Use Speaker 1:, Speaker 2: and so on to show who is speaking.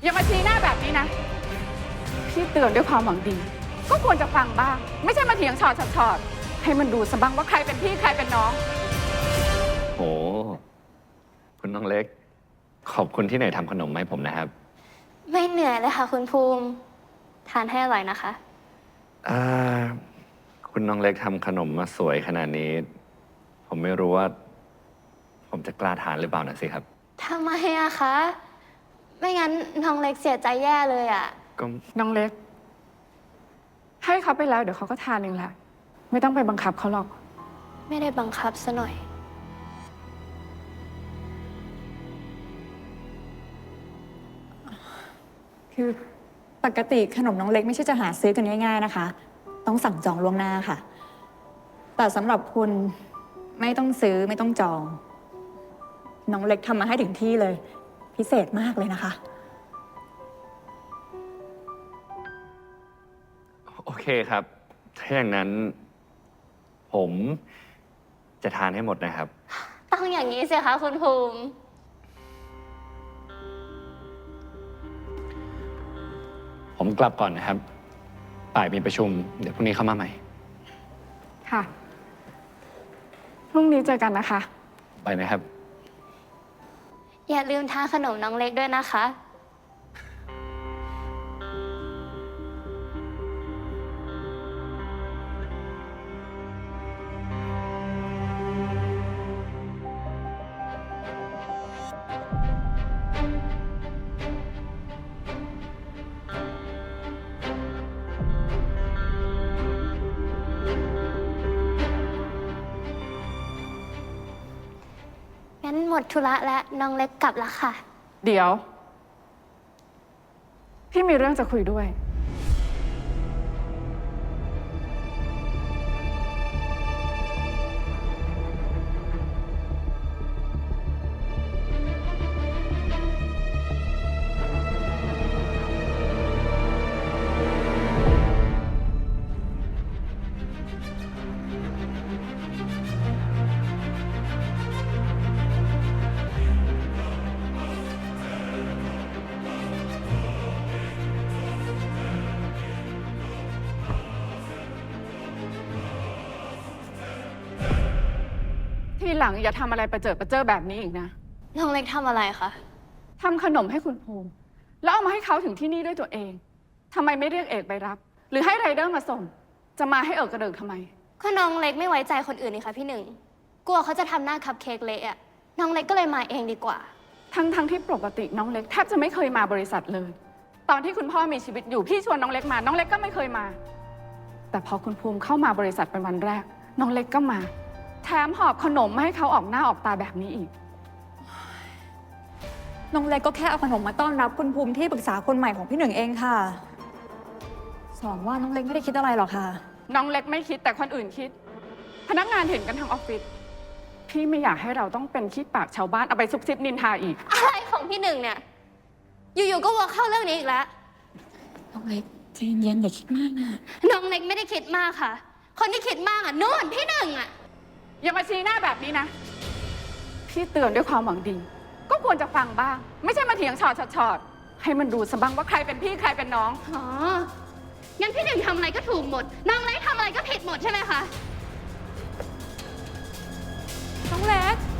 Speaker 1: อย่ามาชี้หน้าแบบนี้นะพี่เตือนด้วยความหวังดีก็ควรจะฟังบ้างไม่ใช่มาเถียงฉอดให้มันดูสะบ้างว่าใครเป็นพี่ใครเป็นน้อง
Speaker 2: โหคุณน้องเล็กขอบคุณที่ไหนทำขนมให้ผมนะครับ
Speaker 3: ไม่เหนื่อยเลยค่ะคุณภูมิทานให้อร่อยนะคะ
Speaker 2: คุณน้องเล็กทำขนมมาสวยขนาดนี้ ผมไม่รู้ว่า ผมจะกล้าทานหรือเปล่านะสิครับ
Speaker 3: ทำไมอะคะไม่งั้นน้องเล็กเสียใจแย่เลยอะ
Speaker 2: ก็
Speaker 1: น้องเล็กให้เขาไปแล้วเดี๋ยวเขาก็ทานเองแหละไม่ต้องไปบังคับเขาหรอก
Speaker 3: ไม่ได้บังคับซะหน่อย
Speaker 4: คือปกติขนมน้องเล็กไม่ใช่จะหาซื้อกันง่ายๆนะคะต้องสั่งจองล่วงหน้าค่ะแต่สำหรับคุณไม่ต้องซื้อไม่ต้องจองน้องเล็กทำมาให้ถึงที่เลยพิเศษมากเลยนะคะ
Speaker 2: โอเคครับถ้าอย่างนั้น ผมจะทานให้หมดนะครับ
Speaker 3: ต้องอย่างนี้สิคะคุณภูมิ
Speaker 2: ผมกลับก่อนนะครับบ่ายมีประชุมเดี๋ยวพรุ่งนี้เข้ามาใหม่
Speaker 1: ค่ะพรุ่งนี้เจอกันนะคะ
Speaker 2: ไปนะครับ
Speaker 3: อย่าลืมทานขนมน้องเล็กด้วยนะคะงั้นหมดธุระแล้วน้องเล็กกลับแล้วค่ะ
Speaker 1: เดี๋ยวพี่มีเรื่องจะคุยด้วยทีหลังอย่าทำอะไรประเจิดประเจ้อแบบนี้อีกนะ
Speaker 3: น้องเล็กทำอะไรคะ
Speaker 1: ทำขนมให้คุณภูมิแล้วเอามาให้เขาถึงที่นี่ด้วยตัวเองทำไมไม่เรียกเอกไปรับหรือให้ไรเดอร์มาส่งจะมาให้เอิกกระเดิกทำไม
Speaker 3: ก็น้องเล็กไม่ไว้ใจคนอื่นนี่คะพี่หนึ่งกลัวเขาจะทำหน้าคัพเค้กเละอะน้องเล็กก็เลยมาเองดีกว่า
Speaker 1: ทั้งที่ปกติน้องเล็กแทบจะไม่เคยมาบริษัทเลยตอนที่คุณพ่อมีชีวิตอยู่พี่ชวนน้องเล็กมาน้องเล็กก็ไม่เคยมาแต่พอคุณภูมิเข้ามาบริษัทเป็นวันแรกน้องเล็กก็มาแถมหอบขนมมาให้เขาออกหน้าออกตาแบบนี้อีก
Speaker 4: น้องเล็กก็แค่เอาขนมมาต้อนรับคุณภูมิที่ปรึกษาคนใหม่ของพี่หนึ่งเองค่ะสองว่าน้องเล็กไม่ได้คิดอะไรหรอกค่ะ
Speaker 1: น้องเล็กไม่คิดแต่คนอื่นคิดพนักงานเห็นกันทั้งออฟฟิศพี่ไม่อยากให้เราต้องเป็นขี้ปากชาวบ้านเอาไปซุบซิบนินทาอีก
Speaker 3: อะไรของพี่หนึ่งเนี่ยอยู่ๆก็วกเข้าเรื่องนี้อีกแล้ว
Speaker 4: น้องเล็กใจเย็นอย่าคิดมากนะ
Speaker 3: น้องเล็กไม่ได้คิดมากค่ะคนที่คิดมากอ่ะนู่นพี่หนึ่งอ่ะ
Speaker 1: อย่ามาชี้หน้าแบบนี้นะพี่เตือนด้วยความหวังดีก็ควรจะฟังบ้างไม่ใช่มาเถียงฉอดให้มันดูสะบ้างว่าใครเป็นพี่ใครเป็นน้อง
Speaker 3: อ๋องั้นพี่หนึ่งทำอะไรก็ถูกหมดน้องเล็กทำอะไรก็ผิดหมดใช่ไหมคะ
Speaker 4: น้องเล็ก